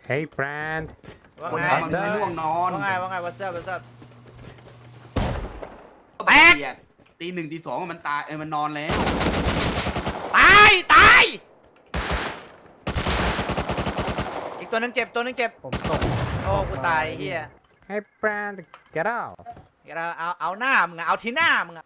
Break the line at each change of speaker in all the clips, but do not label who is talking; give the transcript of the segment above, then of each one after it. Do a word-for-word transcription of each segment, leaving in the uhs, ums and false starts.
Hey friend
ว่า
คน
ไง
ทำมันไม่ง่วงนอน
ว่าไงว่าไง what's up what's up
แตกตีหนึ่งตีสองมันตายเอ้ยมันนอนแล้ว
ตายตายอีกตัวนึงเจ็บตัวนึงเจ็บ
ผมตก
โอ้กูตายเฮีย
Hey friend get out
เอาเอาเอาหน้ามึงอะเอาที่หน้ามึงอะ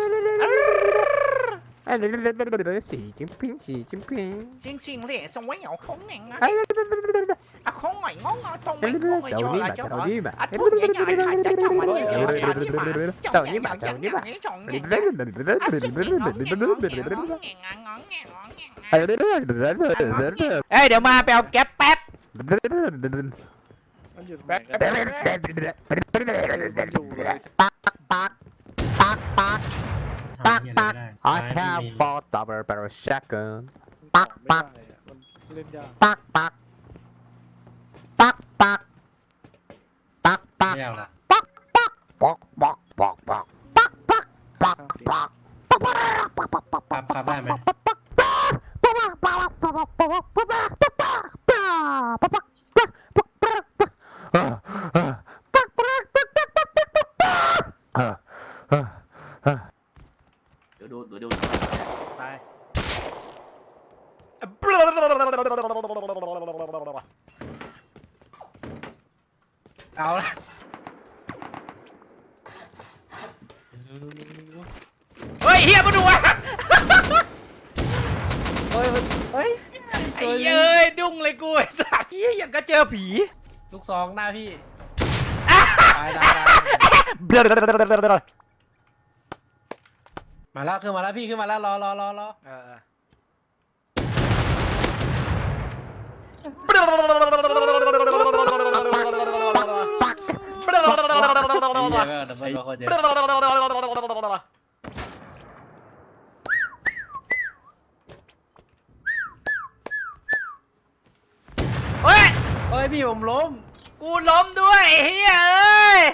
สีจิ้มพิงสีจิ้มพิง
จริงจริงเลยสมัยเอาของแหน่งอะอะของหน่อยงงอะตรงไหนงงไอ้เจ้าอะเจ้าอะอะทุกอย่างใหญ่ใหญ่ใหญ่เจ้ามันเนี่ยเจ้าเจ้านี่มาเจ้านี่มาเจ้านี่มาเจ้านี่มาอะสุดนี่งงแงงงแงงงแงงงงแงงงแงงเอ้ยเดี๋ยวมาไปเอาแก๊ปแป๊บ
มันหยุดแป๊บแป๊บแป๊บอยู่เลย
ปักปักปักปักปักปัก I have four double barrel shotgun ปักปัก
มันเล่นยาก
ปักปักปักปักปักปัก
ไม่เอาละ
ปักปักปักปักปักปักปักปักปักปักปักปักปักปักปัก
ขับขับได้ไหม
เดี๋ยวดูเดี๋ยวดู
ไป
เอาละ
เฮ้ยเฮียมาดูอะ
เฮ้ยเฮ้ย
ไอ้เอ้ยดุ้งเลยกูไอ้สัสเฮียอย่างก็เจอผี
ลูกซองหน้าพี่ตายตายตายมาแล้วขึ้นมาแล้วพี่ขึ้นมาแล้วรอรอรอรอ
เออ
เยอะดับเบิลโคตรเยอะ
เฮ้ย
เฮ้ยพี่ผมล้ม
กูล้มด้วยเฮียเอ้ย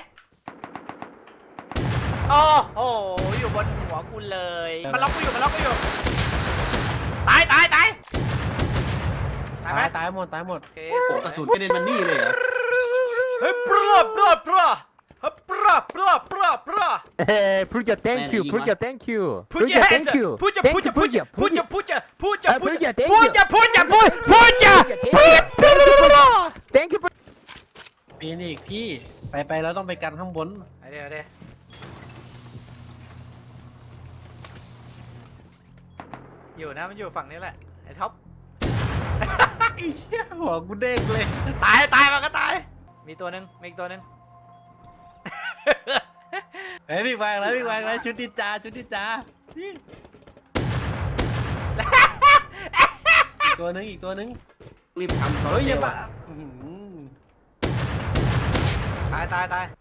โอ้โหอยู่บนหัวกูเลยมันล็อกกูอยู่มันล็อกกูอยู่ตายตายตายตายไหม
ตายตายหมดตายหมด
โอเค
โอ้โหกระสุนกระเด็นมันนี่เลยเหรอ
เฮ้ยปลาปลาปลาเฮ้ยปลาปลาปลาปลา
Hey, put your thank you, put your thank you,
Put your hands
thank you,
up. Put your
thank
put
you,
your put your put
put
your put your put your
Uh,
put
put your
your
thank
put
you.
your put your put put your
thank you.
ปีนอีกพี่ไปไปแล้วต้องไปกันข้างบน
เดี๋ยวเดี๋ยวอยู่นะมันอยู่ฝั่งนี้แหละไอ้ท็อป
หัวกูเด้งเลย
ตายตายมันก็ตาย มีตัวหนึ่งมีอีกตัวหนึ่ง
เฮ้ยพี่วางแล้วพี่วางแล้วชุดดิจาชุดดิจาพี่อีกตัวนึงอีกตัวนึง
รีบทำตอน
เฮ้ยอย่า
เร็ว
มา
อะ
อื้อหือ
ตายตายตาย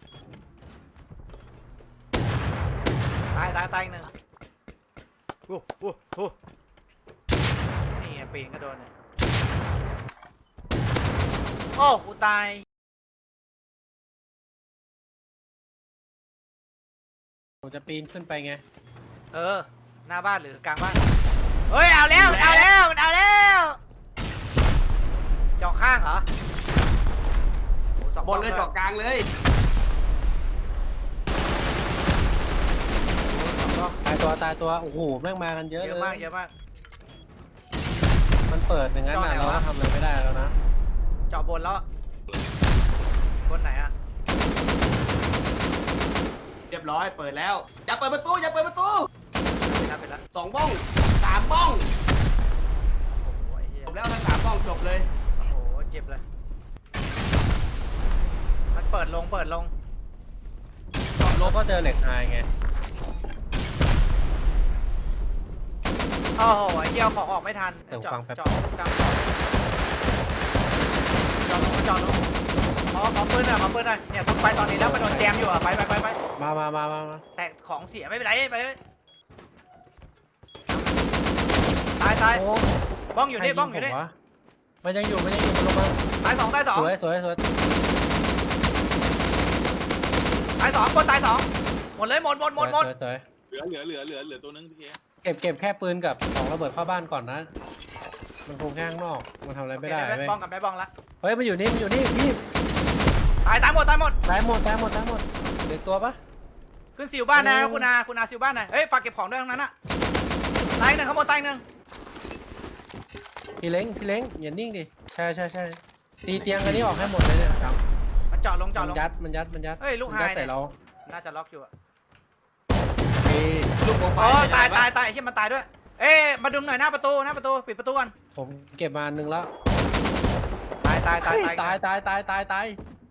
ตายตายตายอีกหนึ่งโอ้โหโอ้นี่ไงปีนก็โดนเนี่ยโอ้กูตาย
ผมจะปีนขึ้นไปไง
เออหน้าบ้านหรือกลางบ้านเฮ้ยเอาแล้วเอาแล้วเอาแล้วเจาะข้างเหรอโอ้สอง
บนเลย
สอง
เจาะกลางเลย
สอง
ตายตัวตายตัวโอ้โหแม่งมากันเยอะ
เย
เล
อะ
ย
มากเยอะมาก
มันเปิดอย่างนั้นน่ะ
จอไหน
เรา
วะ
ก็ทำอะไรไม่ได้แล้วนะ
เจาะบนแล้วบนไหนอะ
เรียบร้อยเปิดแล้วอย่าเปิดประตูอย่าเปิดประตู
เป็นแล้วเป็นแล้ว
สองบ้องสามบ้อง
โอ้โหไอ้เหี้ย
จบแล้วทั้งสามบ้องจบเลย
โอ้โหเจ็บเลยมันเปิดลงเปิดลง
เราก็เจอเหล็กไฮไง
โอ้โหไอ้เหี้ยเอาของออกไม่ทันเจาะเจาะกลางเจาะลงเจาะลงขอขอปืนหน่อยขอปืนหน่อยเนี่ยต้องไปตอนนี้แล้วมันโดนแจมอยู่อะไปไปไปไป
มามามามามา
แต่ของเสียไม่เป็นไรไปตายตาย
โอ้
บ้องอยู่นี่
ใคร
บ้องอยู่
ผ
นี่
มวะมันยังอยู่มันยังอยู่มันลงมา
ตายสองตายสอง
สวยสวยสวย
ตายสองคนตายสองหมดเลยหมดหมดหมดหมด
สวยสวย
เหลือเหลือเหลือเหลือเหลือตัวนึงพี่เค
เก็บเก็บแค่ปืนกับของระเบิดเข้าบ้านก่อนนะ มันคงแค่ข้างนอกมันทำอะไรไม่ได้
โอเค
เว้ย
บ้องกับได้บ้องละ
เฮ้ยมันอยู่นี่มันอยู่นี่พี่
ตายตายหมดตายหมด
ตายหมดตายหมดตายหมดเหลือตัวปะ
ขึ้นสิวบ้านนะ
เออ
คุณอาคุณอาสิวบ้านหน่อยเฮ้ยฝากเก็บของด้วยทั้งนั้นอะตายหนึ่งข้างบนตายหนึ่ง
พี่เล้งพี่เล้งอย่านิ่งดิใช่ใช่ใช่ตีเตียงอันนี้ออกให้หมดเลยเนี่ยครับ
มันเจาะลงเจาะ
มั
ล
น
ง
ยัดมันยัดมันยัด
เฮ้ยลูก
มันยัด
หาย
ใส่เรา
น่าจะล็อกอยู่อะ
เอ้ย
ลูกโปรไฟ
โอ้
ล์
ตาย
ไม่
ตาย
ได้ปะ
ตายไอ้เชี่ยมันตายด้วย เอ๊ะมาดึงหน่อยหน้าประตูหน้าประตูปิดประตูก่อน
ผมเก็บมาอันหนึ่งแล้ว
ตายตายตาย
เฮ้ยตายตายตายตายตาย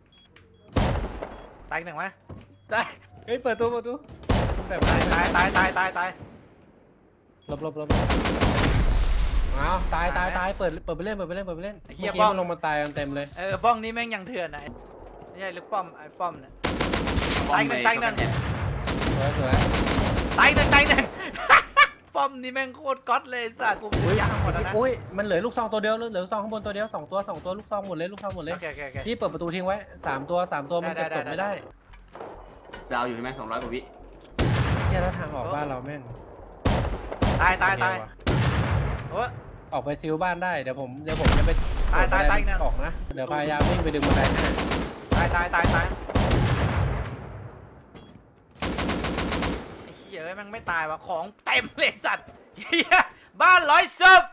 ตายอีกหนึ่งไหม
ตายเฮ้ยเปิดตัวเปิดตัวแบบไหน
ตายตายตายตายตาย
หลบหลบหลบอ้าวตายตายตายเปิดเปิดไปเล่นเปิดไปเล่นเปิดไปเล่นเมื่อกี้มันลงมาตายกันเต็มเลย
เออบ้องนี้แม่งยังเถื่อนนะไม่ใช่ลูกป้อมไอ้ป้อมเนี่ย ตายหนึ่งตายหนึ่ง
สวยสวย
ตายหนึ่งตายหนึ่ง ป้อมนี่แม่งโคตรก๊อตเลยสัตว์กู
อุ้ย
ยางหมดแล้วนะ
อุ้ยมันเหลือลูกซองตัวเดียวเหลือลูกซองข้างบนตัวเดียวสองตัวสองตัวลูกซองหมดเลยลูกซองหมดเลย
โอเคโอเคโอเค
พี่เปิดประตูทิ้งไว้สามตัวสามตัวมัน
ได้
เก็บ
ได้
ศพ
ได้
ไม่ได้
ดาวอยู่ใช่ไหมสองร้อยกว่าวิ
เนี่ยแล้วทางออกบ้านเราแม่ง
ตายตายตาย
เร็วอะ
โอ้ย
ออกไปซิลบ้านได้เดี๋ยวผมเดี๋ยวผมจะไป
ตายตายตาย
เปิดบันได
อีกนะ
ออกนะเดี๋ยวพยายามวิ่งไปดึงบันไดให้
ตายตายตายตายไอ้เหี้ยเอ้ยแม่งไม่ตายวะของเต็มเลยสัตว์เหี้ยบ้านร้อยศพ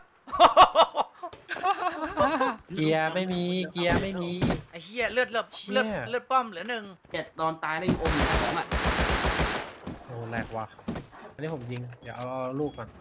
เกียร์ไม่มีเกียร์ไม่มี
ไอ้เหี้ยเลือดเลือด
เชี่ย
เลือดเลือดป้อมเหลือหนึ่ง
เจ็ดตอนตายแล้วยังอมอยู่ของอ่ะ
โอ้แหลกว่ะอันนี้ผมยิงเดี๋ยวเอาเอาลูกก่อน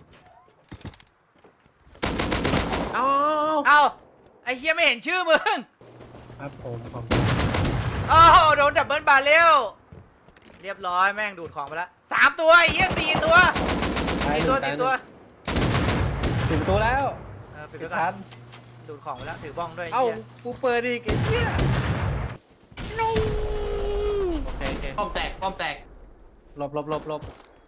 เอา
เอ้าไอ้เหี้ยไม่เห็นชื่อมึง
ครับผมผม
โอ้โหโดนดับเบิลบาร์เรลเรียบร้อยแม่งดูดของไปแล้วสามตัวไอ้เหี้ยสี่ตัว
ตาย
สี่
ห
ตัว
นึ่งตาย
สี่
ห
ตัว
นึ่งปิดประตูแล้ว
เออปิด
ปิ
ไป
ด
ก่อ
ทั
น
น
ดูดของไปแล้วถือบ้องด้วย
เอ้า
ไหี้ย
กูเปิดอีกไอ้เหี้ยโอเคโอเค
ป้อมแตกป้อมแตก
หลบหลบหลบหลบ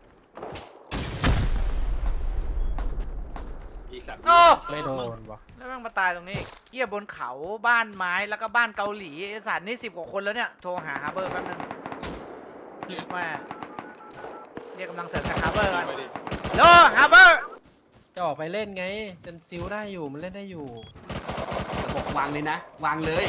โอ้
ไม่โดนว่ะ
แล้วแม่งมาตายตรงนี้อีกเหี้ยบนเขาบ้านไม้แล้วก็บ้านเกาหลีไอ้สัตว์นี่สิบกว่าคนแล้วเนี่ยโทรหาฮาร์เบอร์แป๊บนึงแม่เรียกกำลังเสริมจากฮาร์เบอร์ก่อนโลฮาร์เบอร์
จะออกไปเล่นไงจนซิลได้อยู่มันเล่นได้อยู่
บอกวางเลยนะ วางเลย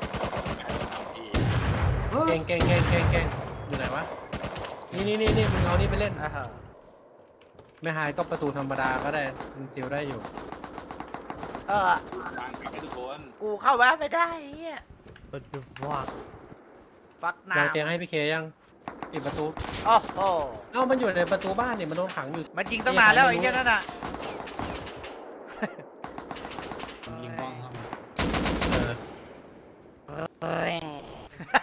เออ
เก่งเก่งเก่งเก่งเก่งอยู่ไหนวะนี่นี่นี่นี่มึงเอานี่ไปเล่น
อ่าฮะ
ไม่หายก็ประตูธรรมดาก็ได้มันซิลได้อยู่
เออกูเข้าบ้านไม่ได้ไอ้เฮียฟักน้
วางเตียงให้พี่เคยังปิดประตู
ำโอ้โห
เอ้ามันอยู่ในประตูบ้านนี่มันโดนขังอยู่
มันจริงตั้งนานแล้วไอ้เหี้ยนั่นน่ะ
ยิงบ้องครับเออ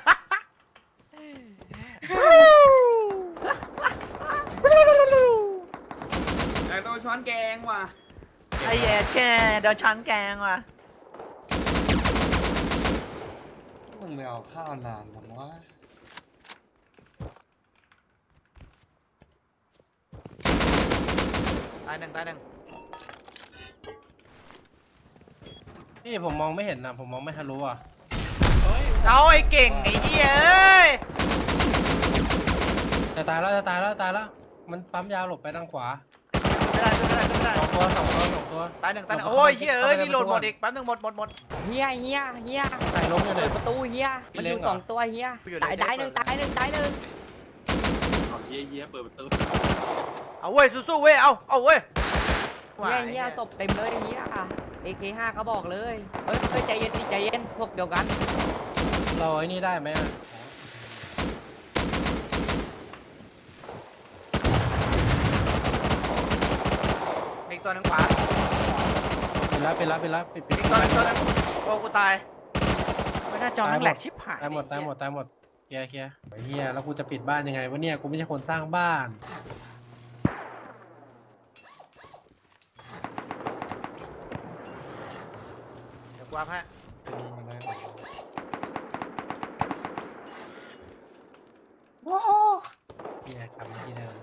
แต่โดนช้อนแกงว่ะ
ไอ้เหี้ยแกโดนช้อนแกงว่ะ
มึงไม่เอาข้าวนานจังวะ
ตายหนึ่งตายหนึ่ง
นี่ผมมองไม่เห็นนะผมมองไม่ทะลุอ่ะ
เอาไอ้เก่งไอ้เหี้ยเอ้ย
จะตายแล้วจะตายแล้วตายแล้วมันปั๊มยาหลบไปทางขวา
ไม่ได้ไม่ได้ไม่ได้
สองตัวสองตัวสองตัว
ตายหนึ่งตายหนึ่งโอ้ยเหี้ยเอ้ยนี่โหลดหมดอีกแป๊บนึงหมดหมดหมด
เฮียเฮียเฮีย
ใส่ล้มอยู่เล
เปิ
ย
ดประตูเฮีย
พี่
มัน
เล้
อง ยู่
เหรอ
สองตัวเฮีย
อยู่ไหน
ตายตายหนึ่งตายหนึ่งตายหนึ่ง
เอาเยี่ยเยี่ยเปิดประตู
เอาเว้ยสู้ๆเว้ยเอาเอาเว้ย
เฮียเฮียศพเต็มเลยเฮียเอเคห้าเขาบอกเลยเฮ้ยเฮ้ยใจเย็นดิใจเย็นพวกเดียวกัน
เราไอ้นี่ได้ไหมอ่ะ
อีกตัวหนึ่งขวา
ปิดแล้วปิดแล้วปิดแล้วปิดปิด
อีกตัวหนึ่งตัวหนึ่งโอ้กูตายไม่น่าจอนั่งแหลกชิบหาย
ตายหมดตายหมดตายหมดเคลียร์เคลียร์ไอ้เฮียแล้วกูจะปิดบ้านยังไงวะเนี่ยกูไม่ใช่คนสร้างบ้าน
เดี๋ยวกวาดฮะ
มีมาได้หรอ
โอ้โหเฮียกลับมาที่เดิม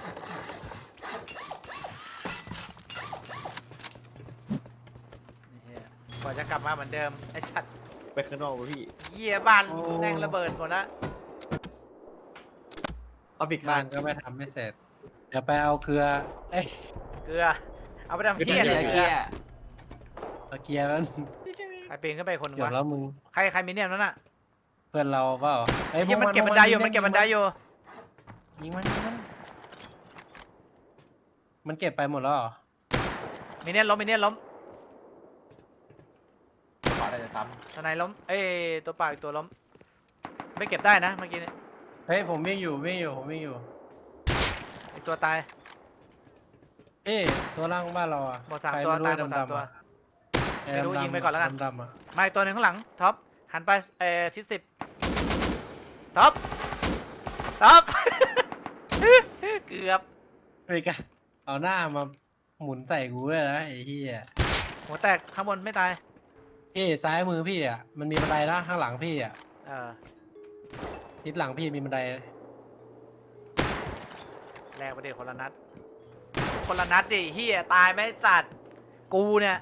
เหี้ยกว่าจะกลับมาเหมือนเดิมไอ้สัตว์
ไปข้างนอกวะพี่
เหี้ยบ้านแม่งระเบิดหมดละ
เอาปิด
บ้านก็ไม่ทำไม่เสร็จ เดี๋ยวไปเอาเกลือ เอ้ย
เกลือเอาไปทำ
เกี
เหี้ย
ย
อะไร
ร์
เกลื
เกี
อย
ร์
เอาเกลือแล้ว
ใครปีนขึ้นไปคนหนึง
เดี๋ยว
วะ
แล้วมึง
ใครใครมีเนี่ยนั่นน่ะ
เพื่อนเราเปล่าไอ้
ไอ้
พว
เหี้ยมันเก็บ
พว
บันไดอยู่มันเก็บบันไดอยู่
ยิงมันยิงมันมันเก็บไปหมดแล้วเหรอ
มีเนี่ยล้มมีเนี่ยล้ม
ขอได้จะซ้
ทนายล้มเอ้ยตัวเปล่าอีกตัวล้มไม่เก็บได้นะเมื่อกี้เนี่ย
เฮ้ยผมวิ่งอยู่วิ่งอยู่ผมวิ่งอยู่
อีกตัวตาย
เอ้ยตัวล่างบ้านเราอ่ะ
หมดสาม
ใคร
ตัว
ไรู้
ตายหมดสาม
ดำๆ
ตัว
อะ
ไม่รู้
ดำๆ
ยิงไปก่อนแล้วกัน
ดำๆอะ
มาอีกตัวหนึ่งข้างหลังท็อปหันไปเอ่อทิศสิบท็อปท็อป เกือบ
เฮ้ยกะเอาหน้ามาหมุนใส่กูเลยนะไอ้เหี้ย
หัวแตกข้างบนไม่ตาย
เอ้ยซ้ายมือพี่อ่ะมันมีบันไดนะข้างหลังพี่อ่ะ
เออ
ทิศหลังพี่มีบันได
แลกไปดิคนละนัดคนละนัดดิเฮียตายไหมสัตว์กูเนี่ย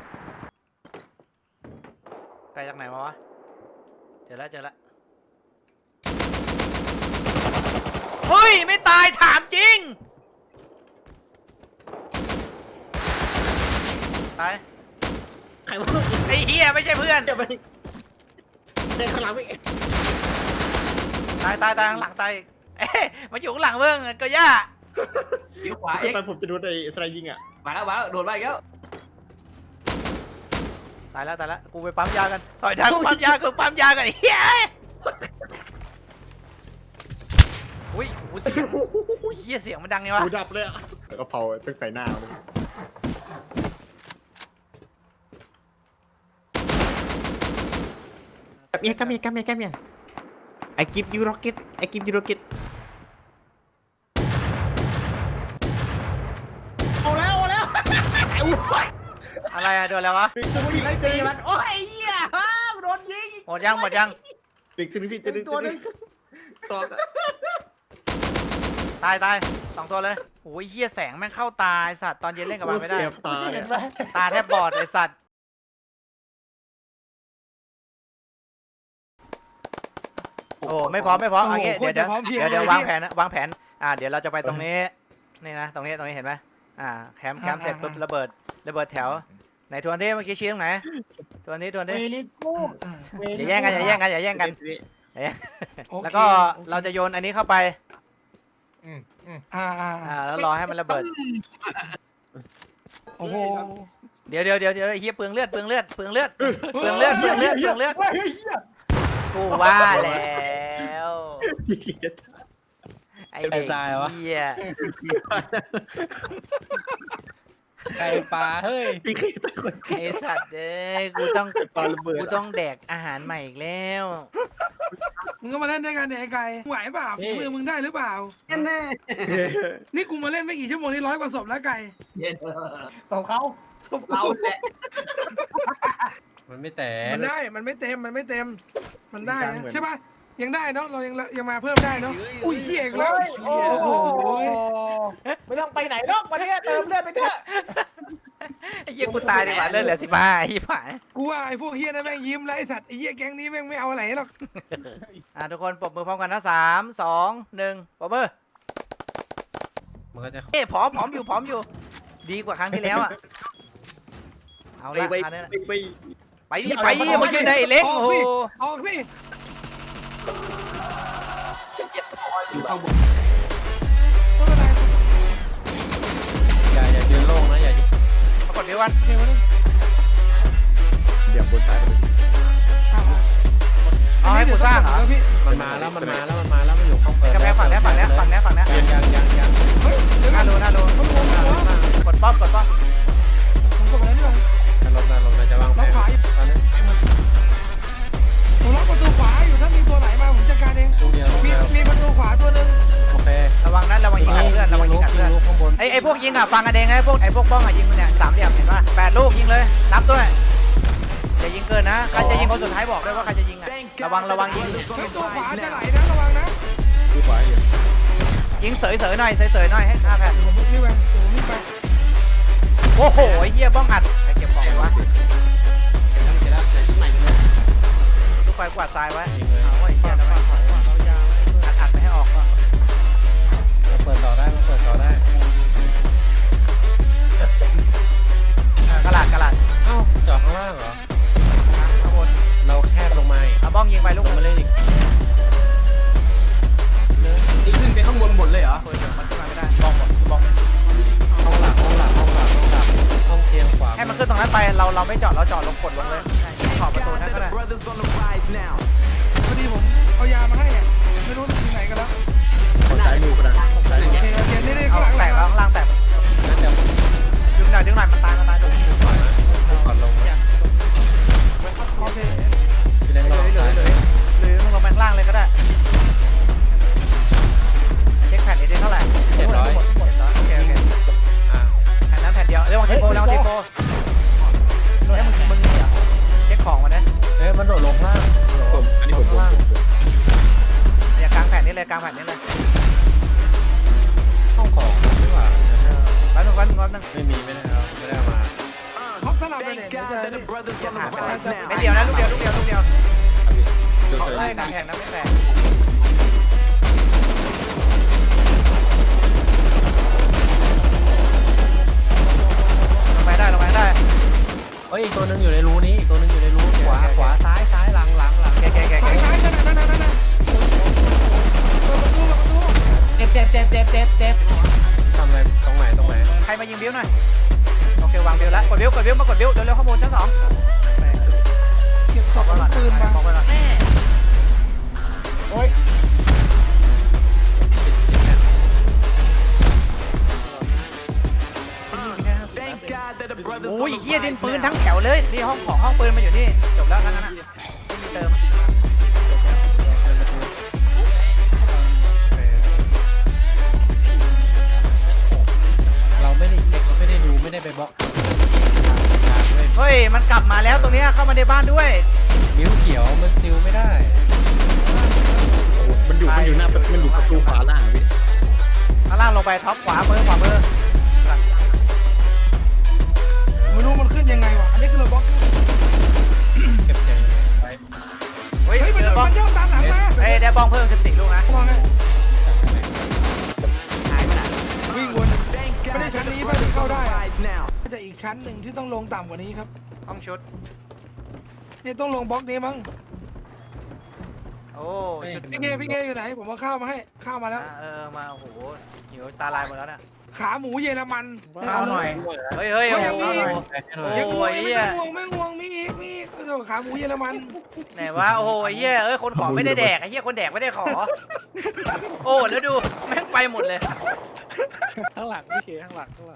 ไกลจากไหนมาวะเจอแล้วเจอแล้วเฮ้ยไม่ตายถามจริงตาย
ใครวะ
ไอ้เฮียไม่ใช่เพื่อน
เดี๋ยวไปเดินข้างหลังไป
ตายตายตายข้างหลังตายอีกเอ๊ะมาอยู่ข้างหลังเบิ้งก็ย่า
ำยิ้วขวาเอ็ก
ไปผมจะโดนไอ้สไลด์ยิงอ่ะ
มาแล้วมาแล้วโดนมาอีกแล้ว
ตายแล้วตายแล้วกูไปปั๊มยากันต่อยทางกูปั๊มยากูปั๊มยากันไอ้เฮียอุ้ยโอ้โหเสียงโอ้ยเฮียเสียงมันดังไงวะ
หูดับเลยอ่ะแล้วก็เผาตึกใส่หน้าเลย Come here, come here, come here, come here. I give you rocket. I give you rocket. เอาแล้วเอาแล้ว
อะไรอะโดนแล้ววะ
ตึกตึกตึก
ไล่ตีมันโอ้ยเหี้ยฮ่าโดนยิง
หมดยังหมดยัง
ตึกตึกพี่ตึกตึกตัวนึงสอง
ตายตายสองตัวเลยโอ้ยเฮียแสงแม่งเข้าตาไอ้สัตว์ตอนเย็นเล่นกับมันไม่ได้
เสียบตา
เห็นไหม
ตาแทบบอดไอ้สัตว์โอ้ไม่พร้อมไม่พร้อมเอางี้เดี๋ยวเดี๋ยวเดี๋ยวเดี๋ยววางแผนนะวางแผนอ่าเดี๋ยวเราจะไปตรงนี้นี่นะตรงนี้ตรงนี้เห็นไหมอ่าแคมป์แคมป์เสร็จปุ๊บระเบิดระเบิดแถวไหนทวนที่เมื่อกี้ชี้ตรงไหนทวนที่ทวนที่
เวลิกู
อย่าแย่งกันอย่าแย่งกันอย่าแย่งกันแล้วก็เราจะโยนอันนี้เข้าไป
อ่าอ่า
อ่าแล้วรอให้มันระเบิด
โอ้โห
เดี๋ยวเดี๋ยวเดี๋ยวเดี๋ยวไอ้เฮียเปลืองเลือดเปลืองเลือดเปลืองเลือดเปลืองเลือดเปลืองเลือดเปลืองเลือดกูว่าแล้วไอเด็กเฮีย
ไก่ปลาเฮ้ย
พี่เคยตะคน
ไอสัตว์เอ้ยกูต้อง
ตอนระเบิด
กูต้องแดกอาหารใหม่อีกแล้ว
มึงก็มาเล่นด้วยกันเนี่ยไอ้ไก่ไหวเปล่าฝีมือมึงได้หรือเปล่า
แน่
นี่กูมาเล่นไม่กี่ชั่วโมงนี่ร้อยกว่าศพแล้วไก่
ๆเย็น
สองเขา
ศพ
เรา
กู
แหละ
มันไม่แต่
มันได้มันไม่เต็มมันไม่เต็ม มันได้นะใช่ป่ะยังได้เนาะเรายังยังมาเพิ่มได้เนาะอุ้ยเฮียอีกแล้วโอ้โห
ไม่ต้องไปไหนหรอกมาเถอะเติมเลือดไปเถอะ
ไอ้เฮียกูตายดีกว่าเลือดเหลือสิบห้าไอ้เหี้ยผาย
กูว่าไอ้พวกเฮียนั่นแม่งยิ้มแล้วไอ้สัตว์ไอ้เฮียแก๊งนี้แม่งไม่เอาอะไรหรอก
อ่ะทุกคนปรบมือพร้อมกันนะสามสองหนึ่งปรบมือ
มันก็จะ
เอ้ยผอมผอมอยู่ผอมอยู่ ดีกว่าครั้งที่แล้วอ่ะเอา
ไป
ละ
ไป
อันนี้นะ
ไปไป
ไปดิไปดิมายืนได้ไอ้เล็ก
อ
โอ้
อก
โห
สิออกสิ
อยู่ข้างบน
ไม่เป็นไร
อย่าอย่ายืนโล่งนะอย่า
ปรากฏเดี๋ยววัน
เดี๋ยวบนซ้ายไป
เอาให้กูสร้างเหรอ
พี่
มันมาแล้วมันมาแล้วมันมาแล้วมันอยู่ข้างเปิด
กำแพงฝั่งเนี้ยฝั่งเนี้ยฝั่งเนี้ยฝั่งเนี้ย
ยังยังยังยัง
เฮ้ยเดี๋ยว
น่ารู้น่ารู้กดป้อมกดป้อม
ผมกดไปแล้วนี่หว่า
ลงนะลงนะจะวางแผ
ล็อก
น
ขวาอยู่
ตอนนี้
ผมล็อกประตูขวาอยู่ถ้ามีตัวไหนมาผมจัดการเอง
ลูกเดียวลูก
มี
เดียว
มีประตูขวาตัวหนึง
โอเค
ระวังนะระวังยิงอัดเลือดระวังยิงอัดเลือด
ลูกข้างบน
ไอ้ไอ้พวกยิงอ่ะฟังกันเองนะไอ้พวกไอ้พวกบ้องอ่ะยิงเนี่ยสามเหลี่ยมเห็นป่ะแปดลูกยิงเลยนับด้วยอย่ายิงเกินนะใครจะยิงคนสุดท้ายบอกด้วยว่าใครจะยิงอ่ะระวังระวังยิง
เฮ้ยตัวขวาจะไหลนะระวังนะ
ดูขวาอยู่
ยิงเสยเสยหน่อยเสยเสยหน่อยให้ห้าแผ่น
ผมนี่ไปผมนี่ไป
โอ้โหไอ้เหี้ยบ้องอัดใครเก็บของวะ
เสร็จแล้วเสร็จแล้วใหม่เลย
ลูกไฟกวาดทรายไว้
ยิงเลย
เอาไว้เหี้ยทำไมอัดอัดไปให้ออกก่อน
มาเปิดต่อได้มาเปิดต่อได้
เออกระหลาดกระหลาด
เอ้าจอดข้างล่างเหรอ
ข้างบนนั้นไปเราเราไม่จอดเราจอดลงกดลงเลยขอบประตูนั่นก็ได้
พอดีผมเอายามาให้อ่ะไม่รู้อยู่ไหนกันแล้ว
สายมือก็ได้สายมื
โอ
อ
เคโอเคนี่นี่
เอา
ข้างหลัง
แตกแล้วข้างล่างแตก
นั่นเดี๋ยว
ดึงหน่อยดึงหน่อยมันตายมันตายดึงดึงหน่อย
ก่อนลงนะ
โอเค
พี่เล่น
เห
ร
ลื
อ
อเหลือเหลือเหลือมึงลงไปข้างล่างเลยก็ได้เช็คแผ่นนี้ได้เท่าไหร่
เจ็ดร้อย
โอเคโอเค
อ่า
แผ่นนั้นแผ่นเดียวเรื่องทีโปเรื่องทีโปเฮ้ยมึงมึงนี่เหรอเช็คของมันนะ
เอ้ยมันโดดลงล่าง
ผมอันนี้ผมผม
ล่าง
อย่ากลางแผ่นนี้เลยกลางแผ่นนี้เลย
ห้องของไม่หว่า
แป๊บนึงแป๊บนึงแป๊บนึง
ไม่มีไม่ได้เอาไม่ได้เอามา
ฮอกสลับเลยเนี่ยเดี๋ยวจะนี่
ไม่เดียวนะลูกเดียวลูกเดียวลูกเดียว
เจอ
เขา
เจอ
ไล่กลางแผ่นนะไม่แตกลงไปได้ลงไปได้
เฮ้ยอีกตัวหนึงอยู่ในรูนี้อีกตัวหนึงอยู่ในรูขวาขวาซ้ายซ้ายหลังหลังหลัง
แกแกแก
ซ้ายซ้ายนั่นน่ะนั่นน่ะนั่นน่ะเปิดประตูเปิดประตู
เจ็บเจ็บเจ็บเจ็บเจ็บเจ็บ
ทำอะไรตรงไหนตรงไหน
ใครมายิงบิ้วหน่อยโอเควางบิ้วแล้วกดบิ้วกดบิ้วมากดบิ้วเร็วๆข้อมูลชั้นสอง
เก็บศพ
บอกไว้ก่อน
ปืนมา
บอกไว้ก่อน
โอ้ย
ปิดปิดแผ่น
โอ้ยเฮียดินปืนทั้งแถวเลยนี่ห้องของห้องปืนมาอยู่นี่จบแล้วทั้งนั้นนะไม่มีเติม
เราไม่ได้เช็คไม่ได้ดูไม่ได้ไปบล็อกทางด้วย
เฮ้ยมันกลับมาแล้วตรงเนี้ยเข้ามาในบ้านด้วย
นิ้วเขียวมันซิลไม่ได้
มันอยู่มันอยู่หน้ามันอยู่ประตูขวาล่างพี่
ข้างล่างลงไปท็อปขวามือขวามือ
ไม่รู้มันขึ้นยังไงวะอันนี้คือเราบล็อก
เก็บเสียงไว้
เฮ้ย
เฮ้ยมัน
เดี๋ยวบอ
มั
ง
นย่องตามหลังมา
เฮ้ยเดี๋ยวบองเพิ่มสิบสี่ลูกนะ
มองไง
หายไปไหน
วิ่งวนไม่ได้ชั้นนี้ป่ะถึงเข้าได้อะแต่อีกชั้นหนึ่งที่ต้องลงต่ำกว่านี้ครับ
ห้องชุด
นี่ต้องลงบล็อกนี้มั้ง
โอ้ชุด
พี่เกพี่เกอยู่ไหนผมเอาข้าวมาให้ข้าวมาแล้ว
อ่ะเออมาโอ้โหหิวตาลายหมดแล้วน่ะ
ขาหมูเยอรมัน
ข้าวหน่อยเฮ้ยเฮ้ยโอ้โห
ให้หน่อย
ยัง
โอ้
งวง
ย
ไม่ต้องงวงไม่งวงมีอีกมีอีกโอ้โหขาหมูเยอรมัน
ไหนวะโอ้โหไอ้เหี้ยเอ้ยคนขอไม่ได้แดกไอ้เหี้ยคนแดกไม่ได้ขอ โอ้แล้วดูแม่งไปหมดเลย
ข้างหลังพี่เคข้างหลังข้างหลัง